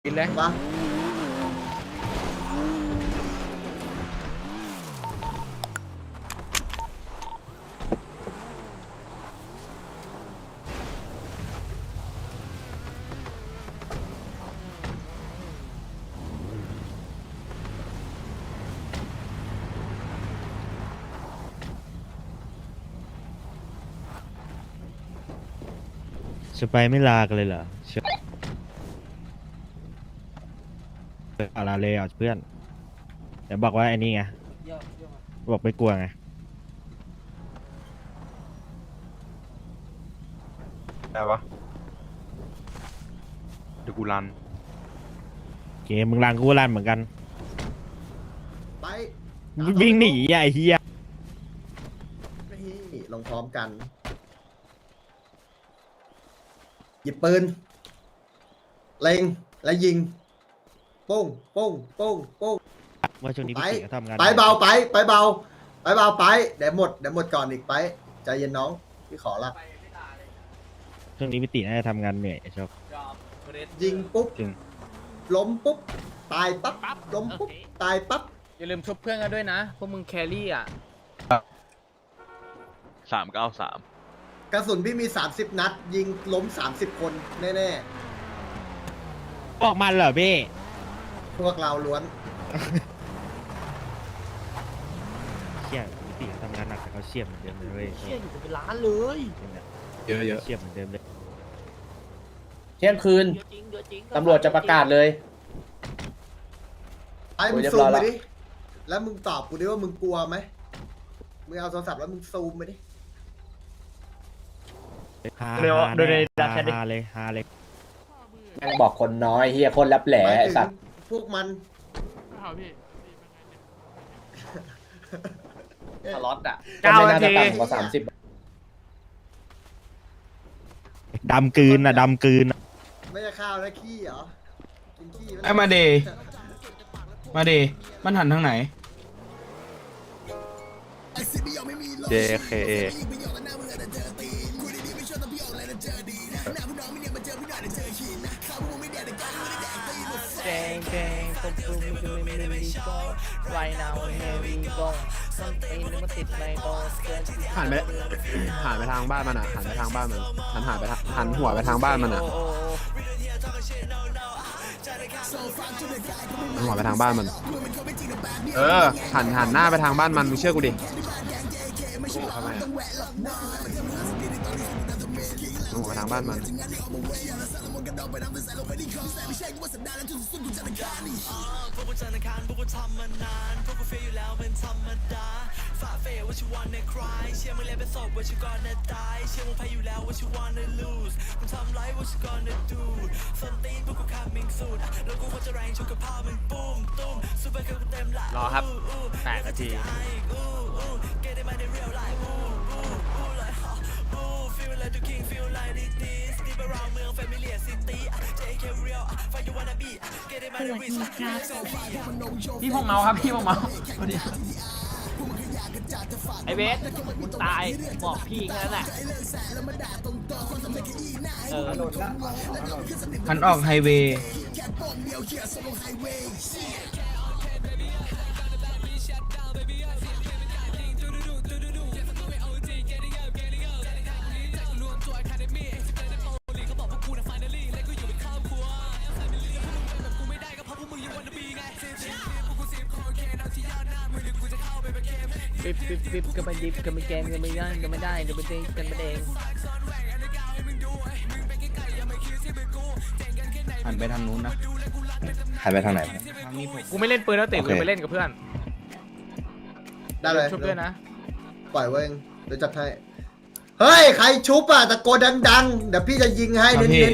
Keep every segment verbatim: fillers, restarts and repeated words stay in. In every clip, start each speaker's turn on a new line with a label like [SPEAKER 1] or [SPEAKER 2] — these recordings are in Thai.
[SPEAKER 1] กินเลย
[SPEAKER 2] ปะ
[SPEAKER 3] จะไปไม่ลากันเลยเหรอเชื่ออะไรเลยอ่ะเพื่อนเดี๋ยวบอกว่าไอ้นี่ไงบอกไม่กลัวไง
[SPEAKER 4] ได้ปะเดี๋ยวกูรัน
[SPEAKER 3] เกมมึงรังกูรันเหมือนกัน
[SPEAKER 2] ไป
[SPEAKER 3] วิ่งหนีอ่ะไอ้เหี้ย
[SPEAKER 2] นี่ลงพร้อมกัน หยิบปืน เล็ง และยิง ปุ้งปุ้งปุ้งปุ้ง
[SPEAKER 3] ว่าช่วงนี้
[SPEAKER 2] ไป
[SPEAKER 3] พี่ติ๋วทำงาน
[SPEAKER 2] ไปเบาไป ไปเบา ไปเบาไป เดี๋ยวหมด เดี๋ยวหมดก่อนอีกไป ใจเย็นน้อง พี่ขอละ
[SPEAKER 3] ช่วงนี้พี่ติ๋วน่าจะทำงานเหนื่อยชอบ
[SPEAKER 2] ยิงปุ๊บ
[SPEAKER 3] จริง
[SPEAKER 2] ล้มปุ๊บ ตายปั๊บ ล้มปุ๊บ ตายปั๊บ
[SPEAKER 1] อย่าลืมชุบเพื่อนกันด้วยนะพวกมึงแครี่อ่ะ
[SPEAKER 4] สามเก้าสาม
[SPEAKER 2] กระสุนพี่มี สามสิบ นัด ยิงล้ม สามสิบ คนแน่
[SPEAKER 3] ออกมันเหรอพี่
[SPEAKER 2] ๆ พวกเราล้วน
[SPEAKER 3] เชี่ยพี่ติ๋วทำงานหนักแต่เขาเชี่ยเหมือนเดิมเลยเว้ย
[SPEAKER 1] เชี่ยอยู่เป็นล้านเลย
[SPEAKER 5] เยอะเยอะ
[SPEAKER 3] เชี่ยเหมือนเดิมเลย
[SPEAKER 6] เที่ยงคืน ตำรวจจะประกาศเลย
[SPEAKER 2] ไอ้มึง
[SPEAKER 6] โอ้ยเรียบ
[SPEAKER 2] ซู
[SPEAKER 6] ร้
[SPEAKER 2] ม
[SPEAKER 6] อย
[SPEAKER 2] ไป
[SPEAKER 6] แล้ว
[SPEAKER 2] ดิ แล้วมึงตอบกูดิว่ามึงกลัวไหม มึงเอาโทรศัพท์แล้วมึงซูมไปดิ
[SPEAKER 3] ฮา
[SPEAKER 5] เร็ว
[SPEAKER 3] ฮา
[SPEAKER 5] ดูใน
[SPEAKER 3] ฮา
[SPEAKER 5] ดักแชทดิ
[SPEAKER 3] ฮาเลยฮาเลย
[SPEAKER 6] แม่งบอกคนน้อยเฮียคนรับแหล่
[SPEAKER 2] หมาย
[SPEAKER 6] ไอ้
[SPEAKER 2] ถึง
[SPEAKER 6] สัตว์
[SPEAKER 2] พวกมัน
[SPEAKER 6] สล็อตอ่ะ
[SPEAKER 1] เก้า
[SPEAKER 6] ก็ไม่น่าจะ
[SPEAKER 1] นาที
[SPEAKER 6] ต่ำกว่าสามสิบ
[SPEAKER 3] ดำกลืนอ่ะดำกลืนอะ
[SPEAKER 2] ไม่ใช่ข้าวนะขี้เหรอ กินขี้ห
[SPEAKER 5] ไอ้มาเดมาเดมันหันทางไหน
[SPEAKER 4] เจเคเอ
[SPEAKER 1] แดงแดงตบตูมีกันไม่มีโก้ไรนาวเฮวีโก้ส้นตีนมันติดในโก้เกิน
[SPEAKER 7] หันไปหันไปทางบ้านมันอ่ะหันไปทางบ้านมันหันหันไปทางหันหัวไปทางบ้านมันอ่ะ
[SPEAKER 1] โอ้โอ้
[SPEAKER 7] หันหัวไปทางบ้านมัน เออหันหันหน้าไปทางบ้านมันมึงเชื่อกูดิทำไมอ่ะหันหัวไปทางบ้านมัน
[SPEAKER 1] รอครับแปดนาที
[SPEAKER 8] สวัสดีครับ
[SPEAKER 1] พี่พงเมาครับพี่พงเมาไอเบสมึงตายบอกพี่แค่นั้นแหละเออ
[SPEAKER 5] หันออกไฮเวย์
[SPEAKER 1] ปิ๊บปิ๊บปิ๊บก็ไปดิบก็ไม่แกงก็ไม่ได้ก็ไม่ได้ก็ไม่ได้กันไม่เอง
[SPEAKER 5] หันไปทางนู้นนะ
[SPEAKER 6] หันไปทางไหน
[SPEAKER 5] ทางนี้ผม
[SPEAKER 1] กูไม่เล่นปืนแล้วเตะ
[SPEAKER 6] โอ
[SPEAKER 1] กู
[SPEAKER 6] เค
[SPEAKER 1] ไปเล่นกับเพื่อน
[SPEAKER 2] ได้เลย
[SPEAKER 1] ชุบด้วยนะ
[SPEAKER 2] ปล่อยไว้เองเดี๋ยวจัดให้ เฮ้ย ใครชุบอ่ะตะโกนดังๆ เดี๋ยวพี่จะยิงให้
[SPEAKER 5] ครับ
[SPEAKER 2] เน้
[SPEAKER 5] พี่
[SPEAKER 2] น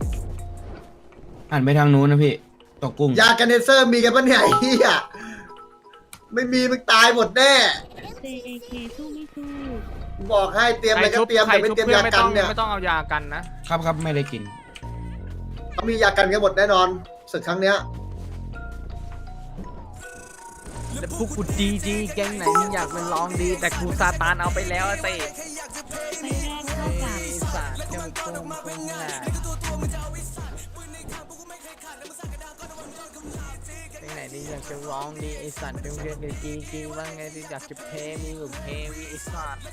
[SPEAKER 5] หันไปทางนู้นนะพี่ตกกุ้ง
[SPEAKER 2] ๆ ยากันเนเซอร์มีกันปะเนี่ยไอ้เหี้ยไม่มีมึงตายหมดแน่
[SPEAKER 8] เซ เอ เค สู้ไม่สู้
[SPEAKER 2] บอกให้เตรียมอะไรก็เตรียม
[SPEAKER 1] ใคร
[SPEAKER 2] แต่ไม่
[SPEAKER 1] ชุบ
[SPEAKER 2] เตรียม
[SPEAKER 1] เพื่อน
[SPEAKER 2] ยา
[SPEAKER 1] ไม่
[SPEAKER 2] กั
[SPEAKER 1] ต้
[SPEAKER 2] น
[SPEAKER 1] อง
[SPEAKER 2] เนี่ย
[SPEAKER 1] ไม่ต้องเอายากันนะ
[SPEAKER 5] ครับครับไม่ได้กิน
[SPEAKER 2] เขามียากันกันหมดแน่นอนศึกครั้งเนี้ย
[SPEAKER 1] แต่พวกกูดีดีแก๊งไหนมึงอยากเป็นลองดี แต่กูซาตานเอาไปแล้วไอ้เต้
[SPEAKER 8] ไฟแรกเท่ากับ
[SPEAKER 1] ไอ้สัตว์แค่มึงโกงโกงแหละเพลงไหนดีอยากจะร้องดีไอสัตว์เพลงเรียนดีจีจีว่าไงดีอยากจะเพลงมีหรือเพลงมีไอสัตว์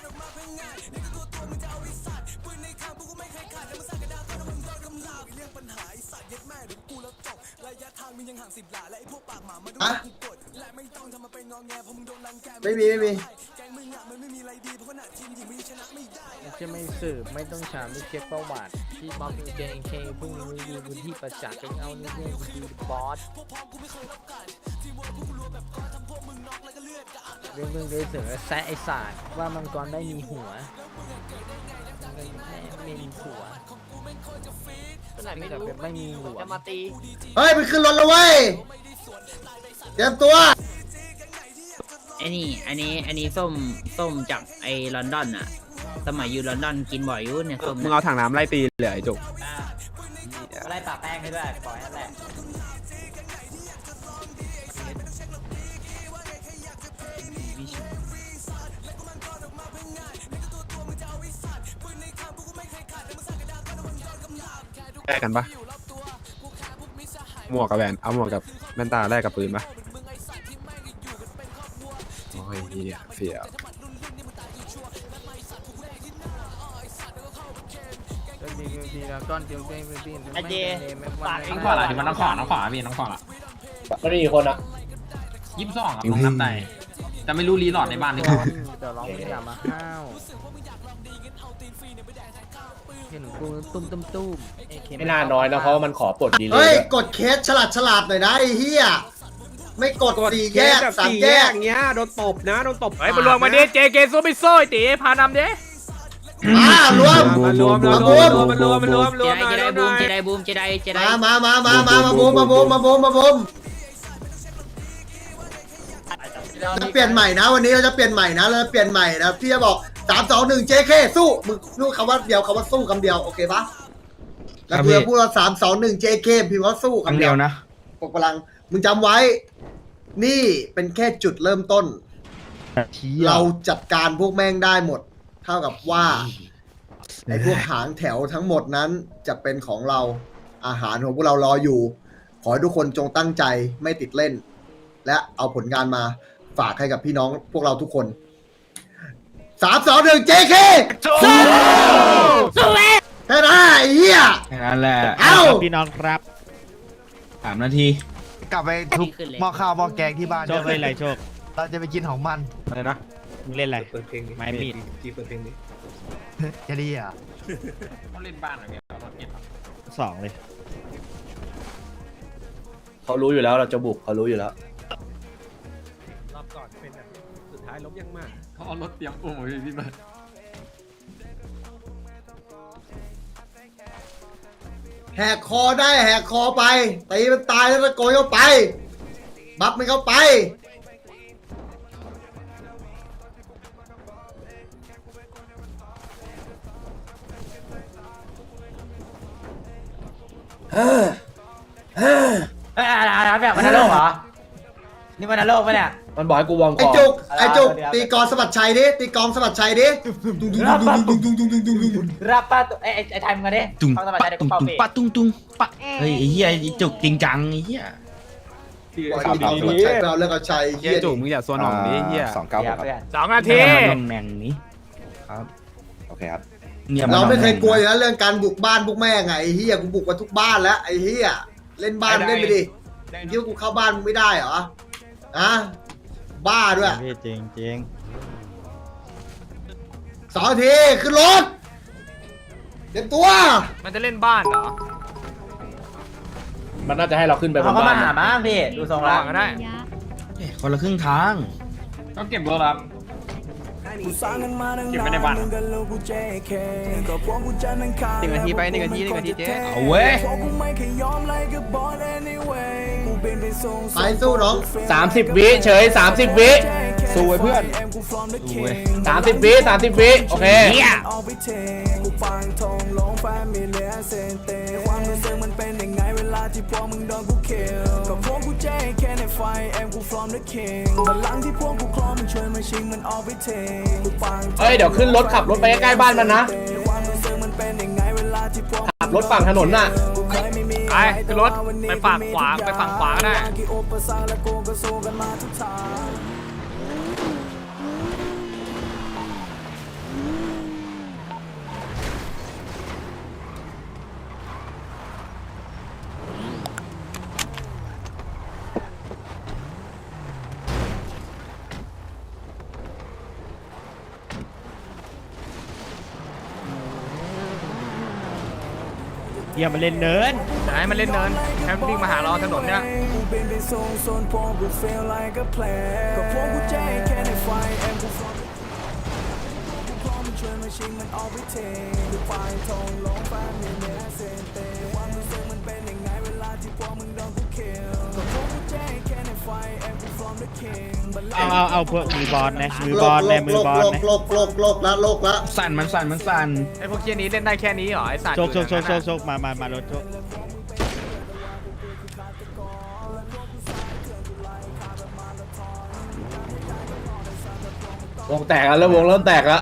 [SPEAKER 2] ฮะไม่มีไม่มี
[SPEAKER 1] จะไม่สืบไม่ต้องถามไม่เช็คประวัติที่บ๊อบเจนเคพรุ่งนี้ดีพื้นที่ประจักษ์เป็นเอานี่เรื่องดีบอสเรื่องเรื่องเลยเสือแซะไอศาสตร์ว่ามังกรได้มีหัวมันไม่มีหัวไม่รู้ไม่มีหัวจะมาตี
[SPEAKER 2] เฮ้ยมันขึ้นรถแล้วเว้ยเตรียมตัว
[SPEAKER 9] ไอ้นี่อันนี้อันนี้ส้มส้มจากไอ้ลอนดอนอะสมัยอยู่ลอนดอนกินบ่อยอยู่เนี่ยส้ม
[SPEAKER 7] มึงเอาถังน้ำไล่ตีเหลือไอ้จุก
[SPEAKER 1] ไล่ปากแป้งให้ด้วยปล่อยนั่นแหละ
[SPEAKER 7] แลกกันปะหมวกกับแหวนเอาหมวกกับแว่นตาแลกกับปืนปะโอ้ยเหี้ยเสีย
[SPEAKER 1] ไอเจปากเอง
[SPEAKER 5] น้องขวาละที่มันน้องขวาน้องขวาพี่น้องขวาละ
[SPEAKER 6] มันมีกี่คนอ่ะ
[SPEAKER 5] ยี่สิบสองครับน้องนับได้แต่ไม่รู้รีหลอดในบ้านหรือเปล่า
[SPEAKER 1] เดี๋ยวร้องอย่ามาห้าวเห็นกูตุ้มตุ้มตุ้ม
[SPEAKER 6] ไม่น่าน้อยนะเพราะว่ามันขอปลดดีเลย
[SPEAKER 2] เฮ้ย
[SPEAKER 6] ด้วย
[SPEAKER 2] กดเคสฉลาดฉลาดหน่อยนะไอ้เหี้ยไม่กดสี่แยกสามแยก
[SPEAKER 7] เงี้ยโดนตบนะโดนตบ
[SPEAKER 1] เฮ้ยมารวมมาดิเจเกซูไม่โซ่ตีพานำดิ
[SPEAKER 2] มารวม
[SPEAKER 7] มารวม
[SPEAKER 2] มารวม
[SPEAKER 7] มารวมมารวม
[SPEAKER 9] เจไดเจไดบูมเจไดบูมเจไดเจได
[SPEAKER 2] มามามามามามาบูมมาบูมมาบูมมาบูมจะเปลี่ยนใหม่นะวันนี้เราจะเปลี่ยนใหม่นะเราจะเปลี่ยนใหม่นะพี่จะบอกสามสองหนึ่งเจเคสู้มึงนู่นคำว่าเดียวคำว่าสู้คำเดียวโอเคปะแล้วเพื่อพูดว่าสามสองหนึ่งเจเคพิมพ์ว่าสู้คำเดียวนะปกพลังมึงจำไว้ นี่เป็นแค่จุดเริ่มต้น เราจัดการพวกแม่งได้หมด เท่ากับว่าไอ้พวกหางแถวทั้งหมดนั้นจะเป็นของเราอาหารของพวกเรารออยู่ ขอให้ทุกคนจงตั้งใจไม่ติดเล่น และเอาผลงานมาฝากให้กับพี่น้องพวกเราทุกคนสามสองหนึ่งเจเคสู้สู้แค่นั้นไอ้เหี้ย
[SPEAKER 5] นั่นแหละ
[SPEAKER 2] เอ้า
[SPEAKER 3] พี่น้องครับ
[SPEAKER 5] สามนาที
[SPEAKER 9] กลับไปทุบหม้อข้าวหม้อแกงที่บ้าน
[SPEAKER 3] โชคเล่นอะไรโชค
[SPEAKER 9] เราจะไปกินของมัน
[SPEAKER 7] อะไรนะ
[SPEAKER 3] มึงเล่นอะไรไม้มีด
[SPEAKER 9] จะดีอ่ะ
[SPEAKER 5] เขาเล่นบ้านอะไรเนี่ยรถเก็บ
[SPEAKER 3] สองเลย
[SPEAKER 6] เขารู้อยู่แล้วเราจะบุกเขารู้อยู่แล้ว
[SPEAKER 7] รอบก่อนเป็นแบบสุดท้ายล้มยังมาก
[SPEAKER 5] เขาเอารถเตรียมอุ้มพี่พี่เบิร์ด
[SPEAKER 2] แหกคอได้แหกคอไปตีมันตายแล้วตะโกนเข้าไป บัฟมันเข้าไปเฮ้อเฮ้อ
[SPEAKER 1] เอ้ยอะไรแบบมันนรกเหรอนี่มันนรกปะเนี่ย
[SPEAKER 6] มันบอกให้กูวอร์ม
[SPEAKER 2] ไอ้
[SPEAKER 6] ก่อน
[SPEAKER 2] จุกไอ้จุกตีกองสะบัดชัยดิตีกองสะบัดชัยดิ
[SPEAKER 1] รับป้าตัวไอ้ไอ้ไทยมึงกันดิต้องสบายใจเด็ก
[SPEAKER 5] ตุ้ง
[SPEAKER 1] เป่า
[SPEAKER 5] ตุ้ง
[SPEAKER 1] เปี
[SPEAKER 5] ปะตุ้งตุ้งปะเฮ้ยไอ้เหี้ยไอ้จุกจริงจังไอ้เหี้ย
[SPEAKER 2] ปล่อยตีกองสะบัดชัยไปเอาเรื่องเอาชัย
[SPEAKER 7] เฮี
[SPEAKER 2] เฮี
[SPEAKER 7] ย
[SPEAKER 2] ย
[SPEAKER 7] จุกมึงอย่าโซนหน่องดิเฮียสองเก้า
[SPEAKER 1] เพื่อน
[SPEAKER 5] สองนาทีลงแมงนี้
[SPEAKER 7] โอเคครับ
[SPEAKER 2] เราไม่เคยกลัวอยู่แล้วเรื่องการบุกบ้านบุกแม่ไงไอ้เฮียกูบุกมาทุกบ้านแล้วไอ้เฮียเล่นบ้านเล่นไปดิคิดว่ากูเข้าบ้านมึงไม่ได้เหรออะบ้าด้วย
[SPEAKER 3] พี่จริงจริง
[SPEAKER 2] สองทีขึ้นรถเตรียมตัว
[SPEAKER 1] มันจะเล่นบ้านเหรอ
[SPEAKER 6] มันน่าจะให้เราขึ้นไปบ
[SPEAKER 1] เขา
[SPEAKER 6] น
[SPEAKER 1] ก็
[SPEAKER 6] บ้า
[SPEAKER 1] มาน หาบ้างพี่ดูทรงแล้วก็ได้
[SPEAKER 5] คนละครึ่งทางต้องเก็บรถครับเก็บไม่ในบ้านหนึ่งนาทีไปหนึ่งนาทีหนึ่งนาทีเจ๊เอาเว้ย
[SPEAKER 2] ไปสู้น้อง
[SPEAKER 6] สามสิบวิเฉยสามสิบวิสู้ไว้เพื่อนสามสิบวิสามสิบวิโอเค
[SPEAKER 9] เนี่ย
[SPEAKER 6] เฮ้ยเดี๋ยวขึ้นรถขับรถไปใกล้ๆบ้านมันนะขับรถฝั่งถนนน่ะ
[SPEAKER 1] ไปขึ้นรถไปฝั่งขวาไปฝั่งขวาก็ได้
[SPEAKER 3] เยี่ยมมาเล่นเนิน
[SPEAKER 1] จะให้มันเล่นเนินแค่วิ่งมาหาเราถนนเนี่ย
[SPEAKER 3] เอาเอาเอาพวกมือบอลนะมือบอลนะมือบอลนะ
[SPEAKER 2] โลกโลกโลกละโลกละ
[SPEAKER 5] สั่นมันสั่นมันสั่น
[SPEAKER 1] ไอ้พวกเชี่ยนี้เล่นได้แค่นี้เหรอไอ้สัตว์
[SPEAKER 3] โชคโชคโชคโชคโชคมามามารถโชคว
[SPEAKER 6] งแตกแล้ววงเริ่มแตกแล้ว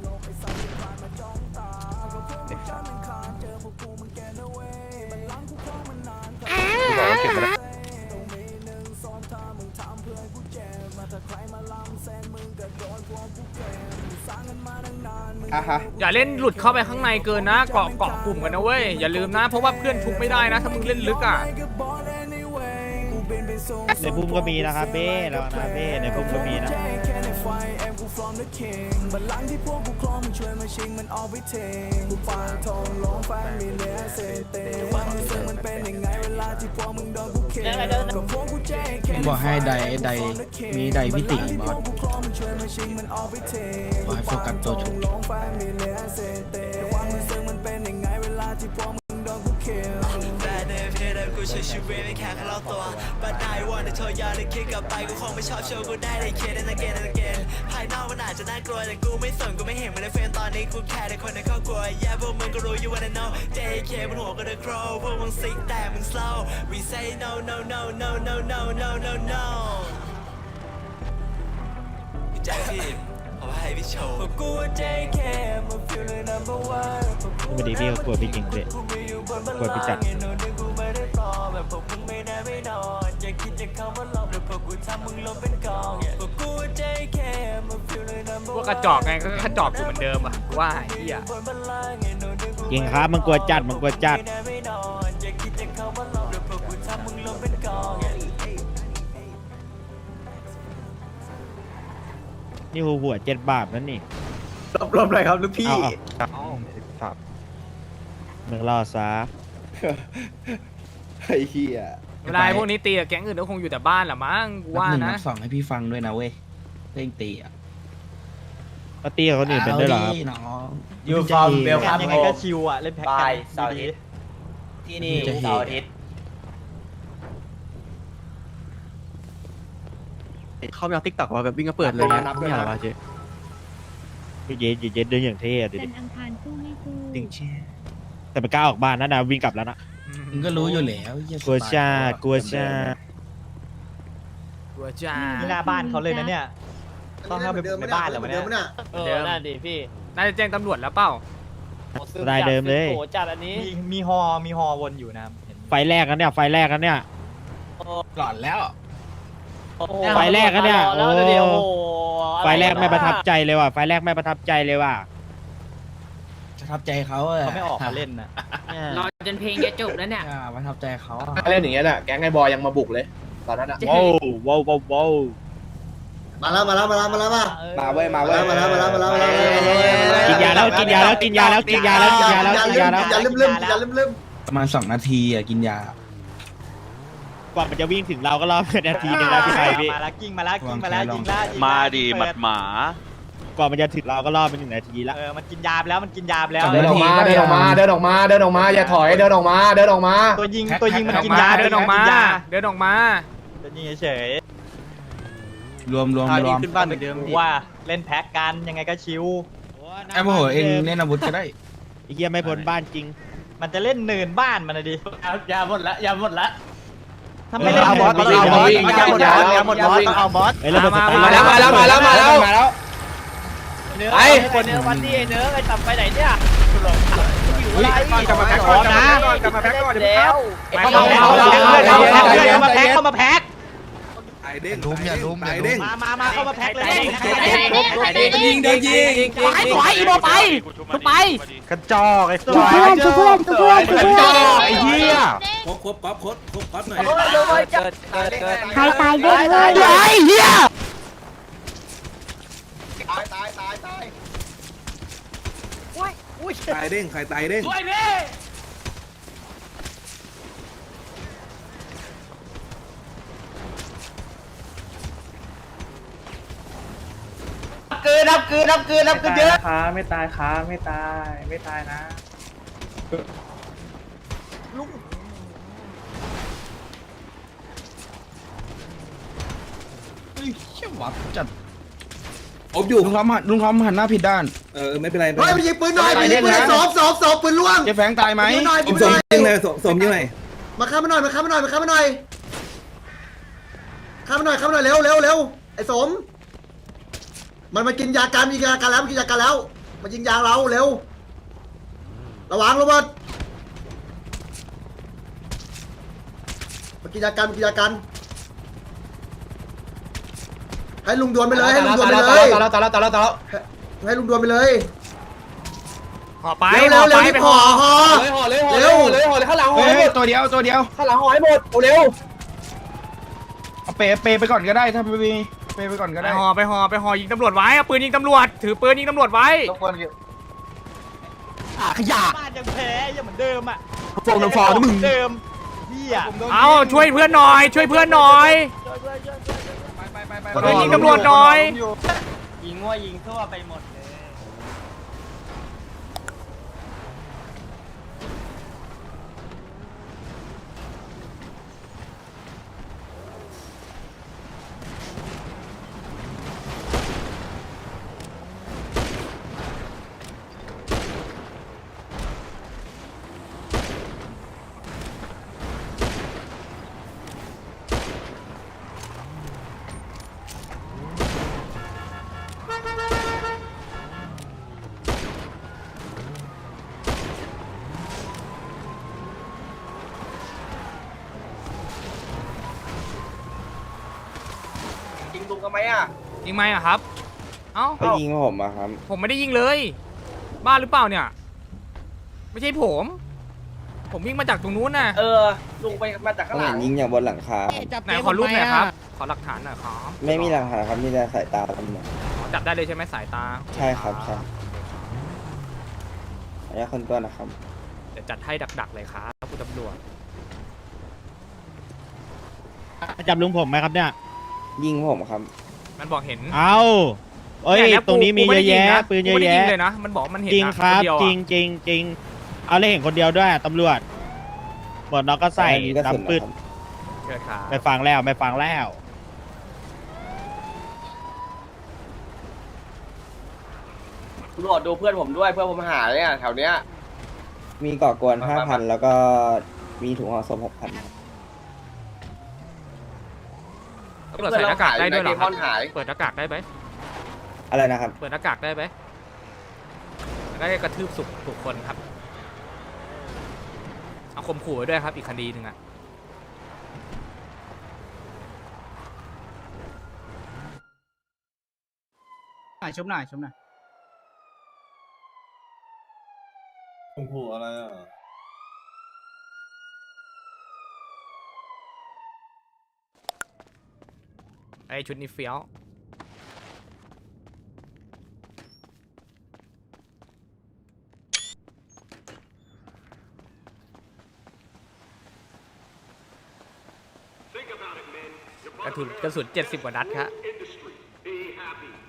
[SPEAKER 1] อย่าเล่นหลุดเข้าไปข้างในเกินนะเกาะเกาะกลุ่มกันนะเว้ยอย่าลืมนะเพราะว่าเพื่อนทุบไม่ได้นะถ้ามึงเล่นลึกอ่ะ
[SPEAKER 3] ในพุ่มก็มีนะครับเบ้แล้วนะเบ้ในพุ่มก็มีนะ
[SPEAKER 5] บอกให้ไดไดมีไดพิติบอสบอกให้โฟกัสตัวฉุก
[SPEAKER 10] กูใช้ชีวิตไม่แค่แค่รอบตัวบัดได้วันในเธอยาได้คิดกลับไปกูคงไม่ชอบโชว์กูได้ได้เคสนั่นเกนนั่นเกนภายนอกมันอาจจะน่ากลัวแต่กูไม่สนกูไม่เห็นมันในเฟรมตอนนี้กูแค่ในคนในครอบครัวแย่พวกมึงก็รู้อยู่ว่าใน know เจ เค บนหัวก็เดือดโครพวกมึงซิกแต่มึง slow we say no no no no no no no no no พี่แจ็คพี่ขอให้พี่โชว์พวกกู เจ เค มา feel the number one
[SPEAKER 3] ไม่ดีพี่ก็กลัวพี่จริงเลยกลัวพี่จัด
[SPEAKER 10] แบบพวกมึงไม่ได้ไม่นอนอย่าคิดจะเข้ามาหลอกเดี๋ยวพวกกูทำมึงลงเป็นกองพวกกู เจ เค มา feel the number one
[SPEAKER 1] พวกกระจอกไงก็กระจอกอยู่เหมือนเดิมอ่ะกูว่าไอ้เหี้ย
[SPEAKER 3] จริงครับมันกลัวจัดมันกลัวจัดนี่หัวหัวเจ็ดบาทนั่นนี่
[SPEAKER 6] รอบๆเลยครับลูกพี่
[SPEAKER 3] เอาเอาเมืองรอซะ
[SPEAKER 6] ไอ้เหี้ย
[SPEAKER 1] เวลาไอ้พวกนี้ตีกับแก๊งอื่นก็คงอยู่แต่บ้านแหละมั้งกูว่า
[SPEAKER 5] นับหนึ่ง
[SPEAKER 1] นะ
[SPEAKER 5] นับสองให้พี่ฟังด้วยนะเว้ยเร่งตีอ่ะ
[SPEAKER 3] ก็ตีกับคนอื่นเป็นด้วยเหรอครับ
[SPEAKER 5] น้อง
[SPEAKER 6] ยูฟอร์มเบลครับ
[SPEAKER 5] ยังไงก็ชิวอ่ะเล่นแพ็คกันเสาร์อาทิตย์
[SPEAKER 6] ที่นี่เสาร์อาทิตย์เขาไม่เอาติ๊กต็อกว่าแบบวิ่งก็เปิดเลยนะไม่เอาวะเจ๊
[SPEAKER 3] เย็ดเย็ดเดินอย่างเท่อะดิ
[SPEAKER 8] จันทร์อังคารสู้ไม่สู้
[SPEAKER 6] จริงเชี่ย
[SPEAKER 3] แต่ไม่กล้าออกบ้านนะนะวิ่งกลับแล้วนะ
[SPEAKER 5] มึงก็รู้อยู่แล้วเหี้ย
[SPEAKER 3] กลัวชา
[SPEAKER 5] สไตล์
[SPEAKER 3] กลัวชา
[SPEAKER 1] กูจ้า
[SPEAKER 8] นี่หน้าบ้านเขาเลยนะเนี่ย
[SPEAKER 2] ต้องเข้าไปในบ้านเหรอเนี่ย
[SPEAKER 1] เออน่าดิพี่น่าจะแจ้งตำรวจแล้วเปล่า
[SPEAKER 3] ได้เดิมเลย
[SPEAKER 11] มีมีฮอมีฮอวนอยู่นะเห็น
[SPEAKER 3] ไฟแรกกันเนี่ยไฟแรกกันเนี่ย
[SPEAKER 5] หลอนแล้ว
[SPEAKER 3] ไฟแรกกันเนี่ยโอ้
[SPEAKER 11] แล้วเดี๋ยวโอ้โห
[SPEAKER 3] ไฟแรกไม่ประทับใจเลยว่ะไฟแรกไม่ประทับใจเลยว่ะ
[SPEAKER 5] ประทับใจเขาอะ
[SPEAKER 11] เขาไม่ออกมาเล่นนะ
[SPEAKER 9] รอจนเพลงจะจบแล้วเนี่ย
[SPEAKER 5] อ่าประทับใจเขาอะ
[SPEAKER 6] เล่นอย่างเงี้ยน่ะแก๊งไอ้บอยยังมาบุกเลยตอนนั้นอ่ะ
[SPEAKER 3] ว้าวว้าวว้าวว้าว
[SPEAKER 2] มาแล้วมาแล้วมาแล้วมาแล้วมา
[SPEAKER 6] มาเว้ยมา
[SPEAKER 2] มา
[SPEAKER 6] เว้ย
[SPEAKER 2] แล้วมาแล้วมาแล้วมาแล้วมาแล้ว
[SPEAKER 3] กินยาแล้วกินยาแล้วกินยาแล้วกินยาแล้วกินยาแล้วกินยาแล้ว
[SPEAKER 2] อย่าลืมลืมอย่าลืมลืม
[SPEAKER 5] ประมาณสองนาทีอ่ะกินยา
[SPEAKER 3] กว่ามันจะวิ่งถึงเราก็รอนาทีนึงแล้วพี่ไทยพี่
[SPEAKER 11] มาแล้วกิ้งมาแล้วกิ้งมาแล้วยิงแล้วยิงแล้ว
[SPEAKER 4] มาดีหมัดหมา
[SPEAKER 3] กว่ามันจะถึงเราก็รอไปหนึ่งนาทีละ
[SPEAKER 11] เออมันกินยาไปแล้วมันกินยาไปแล้ว
[SPEAKER 6] เดินออกมาเดินออกมาเดินออกมาเดินออกมาอย่าถอยเดินออกมาเดินออกมา
[SPEAKER 11] ตัวยิงตัวยิงมัน
[SPEAKER 1] เดินออ
[SPEAKER 11] กิ
[SPEAKER 1] ก
[SPEAKER 11] น
[SPEAKER 1] มาย
[SPEAKER 11] า
[SPEAKER 1] เดินออกมา
[SPEAKER 11] กิย
[SPEAKER 1] เดินออกมา
[SPEAKER 11] ตัวยิงเฉย
[SPEAKER 5] รวมรวมรวม
[SPEAKER 11] ขึ้นบ้านเหมือนเดิมว่าเล่นแพ็กกันยังไงก็ชิว
[SPEAKER 5] ไอ้โมโหเองเล่นอาวุธก็ได้
[SPEAKER 3] ไอ้เหี้ยไม่พ้นบ้านจริง
[SPEAKER 11] มันจะเล่นเนินบ้านมันนะดิ
[SPEAKER 6] ยาหมดละยาหมดละ
[SPEAKER 11] ถ้าไม่เล่น
[SPEAKER 6] เอาบอส
[SPEAKER 11] ต้องเอาบอส
[SPEAKER 6] วิ่ง
[SPEAKER 11] ต้องเอาบอส
[SPEAKER 6] วิ่ง
[SPEAKER 11] เอาหมดบอสต้องเอาบอส
[SPEAKER 3] ไอ้ระเบิดส
[SPEAKER 1] มา
[SPEAKER 3] ไตล์
[SPEAKER 6] มาแล้วมาแล้วมาแล้วมาแล้วมาแล้ว
[SPEAKER 11] เนื้อ
[SPEAKER 6] ไอ้
[SPEAKER 11] คนเนื้อวันนี้เนื้อไอ้ต่ำไปไหนเนี่ย
[SPEAKER 1] เ
[SPEAKER 7] กลับมาแพ็คก่อนกลับมาแพ็คก่อนเดี๋ยว
[SPEAKER 11] เข้ามาแพ็คเข้ามาแพ็คเข้ามาแพ็ค
[SPEAKER 7] ไอเด้งลุ้มอย่าลุ้มอย่าลุ้ม
[SPEAKER 11] มามามาเข้ามาแพ็คเลย
[SPEAKER 5] ยิงเดินยิง
[SPEAKER 11] ไปถอยอีโมไปไป
[SPEAKER 3] กระจอกไอ้
[SPEAKER 8] ชุบเพื่อนชุบเพื่อนชุบเพื่อนชุบเพื่อน
[SPEAKER 3] ไอ้เหี้ย
[SPEAKER 5] ครบครบก๊อฟครบครบก๊อฟหน่อย
[SPEAKER 8] ใครตายเด้งเลย
[SPEAKER 11] ไอ้เหี้ย
[SPEAKER 2] ตายตายตายตาย
[SPEAKER 5] ตายเด้งใครตายเด้ง
[SPEAKER 6] เกินนับเกินนับเกินนับเกินเยอะ
[SPEAKER 11] ขาไม่ตายขาไม่ตายไม่ตายนะ
[SPEAKER 5] เชี่ยหวับจัดอบอยู่ลุงทอมหันลุงทอมหันหน้าผิดด้านเออไม่เป็นไร
[SPEAKER 2] เฮ้ยไปยิงปืนหน่อยไปยิงปืนสอบสอบสอบปืนล่วง
[SPEAKER 5] เจ๊แฟงตายไหม
[SPEAKER 2] ยิงหน่อย
[SPEAKER 5] ผมสมยิงเลยสมยิงเลย
[SPEAKER 2] มาข้ามมาหน่อยมาข้ามมาหน่อยมาข้ามมาหน่อยข้ามมาหน่อยข้ามมาหน่อยเร็วเร็วเร็วไอ้สมมันมากินยาการมียาการแล้วมันกินยาการแล้วมายิงยาเราเร็วระวังโรเบิร์ตมากินยาการมากินยาการให้ลุงดวนไปเลยให้ลุงดวนไปเลย
[SPEAKER 6] ตายแล้วตายแล้วตายแล้วตายแล้ว
[SPEAKER 2] ให้ลุงดวนไปเลย
[SPEAKER 11] ห่อไป
[SPEAKER 2] เร็วเร็วเร็วรีบห่อห่อ
[SPEAKER 6] เลยห่อเลยห่อเลยห่อเลยห่อเลยข้างหลังห่อ
[SPEAKER 5] เฮ้
[SPEAKER 6] ให้หม
[SPEAKER 5] ย
[SPEAKER 6] ด
[SPEAKER 5] ตัวเดียวตัวเดียว
[SPEAKER 6] ข้างหลังห่อให้หมดเร็ว
[SPEAKER 5] เอาเปเปไปก่อนก็ได้ถ้าไม่มีเปไปก่อนก็ได้
[SPEAKER 11] ห่อไปห่อไปห่อยิงตำรวจไว้เอาปืนยิงตำรวจถือปืนยิงตำรวจไว้
[SPEAKER 6] ขยะ
[SPEAKER 11] บ้านยังแพ้ยังเหมือนเดิมอ่ะ
[SPEAKER 6] ฟองน้ำฟองนะมึง
[SPEAKER 11] เดิมเหี้ย
[SPEAKER 1] เอาช่วยเพื่อนหน่อย ช่วยเพื่อนหน่อย เพื่อนยิงตำรวจหน่อย
[SPEAKER 11] ยิงว่ายิงทั่วไปหมดเลย
[SPEAKER 6] ยิงลุงทำไมอ่ะ
[SPEAKER 1] ยิงไหมอะครับ เอ้า
[SPEAKER 6] ไปยิงผมอ่ะครับ
[SPEAKER 1] ผมไม่ได้ยิงเลย บ้าหรือเปล่าเนี่ย ไม่ใช่ผม ผมวิ่งมาจากตรงนู้นน่ะ
[SPEAKER 6] เออลุงไปมาจากข้างหลังยิงอย่างบนหลังคา
[SPEAKER 1] ไหนขอรูปหน่อยครับ ขอหลักฐานหน่อยครับ
[SPEAKER 6] ไม่มีหลังคาครับมีแต่สายตาตำรวจ
[SPEAKER 1] อ๋อจับได้เลยใช่ไหมสายตา
[SPEAKER 6] ใช่ครับใช่ระยะคนตัวนะครับ
[SPEAKER 1] เดี๋ยวจัดให้ดักๆเลยครับคุณตำรวจ
[SPEAKER 3] จับลุงผมไหมครับเนี่ย
[SPEAKER 6] ยิงผมครับ
[SPEAKER 1] มันบอกเห็น
[SPEAKER 3] เอาเอ้ย
[SPEAKER 1] เนี่ย
[SPEAKER 3] ตรงนี้มีเยอะแยะปืนเยอะ
[SPEAKER 1] กูไม่ได้
[SPEAKER 3] แยะ
[SPEAKER 1] ยิงเลยนะ มันบอกมันเห็น
[SPEAKER 3] จริง
[SPEAKER 1] อะ
[SPEAKER 3] ครับ
[SPEAKER 1] นเดียวอะ
[SPEAKER 3] จริงจริงจริงเอาเลยเห็นคนเดียวด้วยตำรวจหมดน้องก็ใส่
[SPEAKER 6] อันนี้ก็สุด
[SPEAKER 3] ดำปืด
[SPEAKER 6] นะครับ
[SPEAKER 1] เชิญครับ
[SPEAKER 3] ไม่ฟังแล้วไม่ฟังแล้ว
[SPEAKER 6] ตำรวจดูเพื่อนผมด้วยเพื่อนผมหายเนี่ยแถวเนี้ยมีก่อกวนห้าพันแล้วก็มีถุงห่อศพหกพัน
[SPEAKER 1] ตำรวจใส่หน้ากากได้ด้วยเหรอครับ
[SPEAKER 6] เพื่อนเราหาย
[SPEAKER 1] เปิดหน้ากากได้ไหม
[SPEAKER 6] อะไรนะครับ
[SPEAKER 1] เปิดหน้ากากได้ไหมได้กระทืบสุกถูกคนครับ เอาข่มขู่ไว้ด้วยครับ อีกคดีหนึ่งอะ
[SPEAKER 11] ชุบหน่อยชุบหน่อย
[SPEAKER 7] โอ้โหอะไรอ่ะ
[SPEAKER 1] ไอชุดนี้เฟี้ยว กระสุนกระสุนเจ็ดสิบกว่านัดครับ